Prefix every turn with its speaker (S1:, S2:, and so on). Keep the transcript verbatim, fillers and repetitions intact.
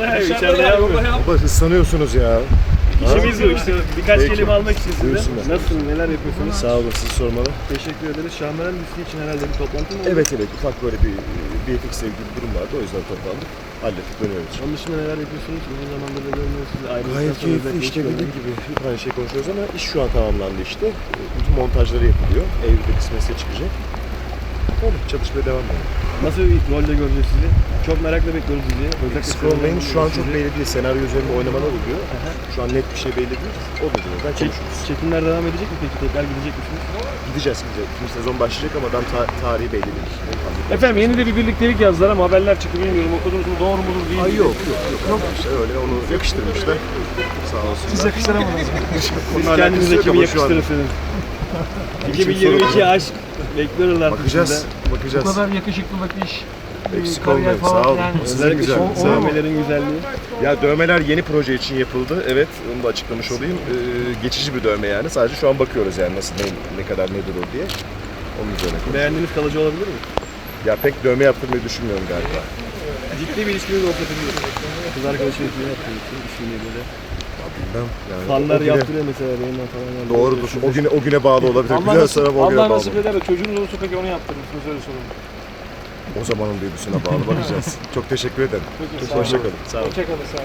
S1: Dışarıda ya, içeride yapmıyor.
S2: Baba ıslanıyorsunuz ya.
S1: İşimiz bu işte. Birkaç
S2: Peki.
S1: kelime almak için sizden.
S2: Buyursunlar.
S1: Nasılsınız, neler yapıyorsunuz?
S2: Sağ olun, sizi sormalı.
S1: Teşekkür ederiz. Şahmeran dizisi için herhalde bir toplantı mı oldu?
S2: Evet evet, ufak böyle bir B F X sevgili bir durum vardı, o yüzden toplandık. Hallettik, dönüyoruz.
S1: Onun dışında neler yapıyorsunuz? Uzun zamandır da görmüyoruz sizi. Ayrıldıktan
S2: Gayet
S1: sonra
S2: keyifli
S1: özellikle
S2: işte,
S1: hiç
S2: dediğim
S1: görmedik.
S2: gibi hep aynı şey konuşuyoruz ama iş şu an tamamlandı işte. Bütün montajları yapılıyor. Eylül'de kısmetse çıkacak. Öyle çalışmaya devam edelim.
S1: Nasıl bir rolde göreceğiz sizi? Çok merakla bekliyoruz sizi. Özellikle
S2: Scrollmay'ın şu an çok
S1: sizi.
S2: belli değil. Senaryo üzerinde oynamalar oluyor. Şu an net bir şey belli değil. O da birazdan
S1: Çek,
S2: konuşuruz.
S1: çekimler devam edecek mi peki? Tekrar gidecek misiniz?
S2: Gideceğiz gideceğiz. İkinci sezon başlayacak ama daha ta- tarihi belli değil.
S1: Efendim yeni de bir birliktelik yazdılar ama haberler çıktı bilmiyorum. Okudunuz mu? Doğru mudur değil mi?
S2: Ay yok yok yok. yok. İşte öyle onu yakıştırmışlar. Sağ olsunlar.
S3: Siz yakıştıramadınız.
S1: Siz
S2: Onunla
S1: kendinize
S2: alakası yok
S1: kimi
S2: ama şu an-
S1: yakıştırırsınız?
S2: Biçim
S1: iki bin yirmi iki
S2: soru bu.
S1: aşk bekliyoruz artık
S2: Bakacağız.
S1: sizden.
S3: Bu
S2: Bakacağız.
S3: kadar yakışıklılık iş,
S2: Eksik
S3: kariyer
S2: olmayın.
S3: falan
S2: Sağ olun.
S3: yani.
S2: Size
S1: Özellikle
S2: güzel.
S1: şu
S3: O- o-
S1: dövmelerin güzelliği.
S2: Ya dövmeler yeni proje için yapıldı. Evet, onu da açıklamış olayım. Ee, geçici bir dövme yani. Sadece şu an bakıyoruz yani nasıl, ne, ne kadar nedir o diye. Onun üzerine konuşuyoruz.
S1: Beğendiğiniz kalıcı olabilir mi?
S2: Ya pek dövme yaptırmayı düşünmüyorum galiba.
S1: Ciddi bir ilişkiniz olsa peki. Kız arkadaşınız ne yaptınız? İsmini böyle.
S2: Bilmem yani.
S1: Fanlar
S2: o güne-
S1: yaptırıyor mesela yayından falan. Yani
S2: Doğrudur. O güne, o güne bağlı olabilir.
S3: Allah
S2: Güzel
S3: nasip,
S2: sonra o güne
S3: Allah
S2: bağlı.
S3: nasip eder de çocuğunuz olursa peki onu yaptırır mısınız, öyle sorun.
S2: O zamanın duygusuna bağlı bakacağız. Çok teşekkür ederim.
S3: Peki, sağ olun.
S2: Hoşçakalın. Sağ olun.
S3: Hoşçakalın, sağ olun.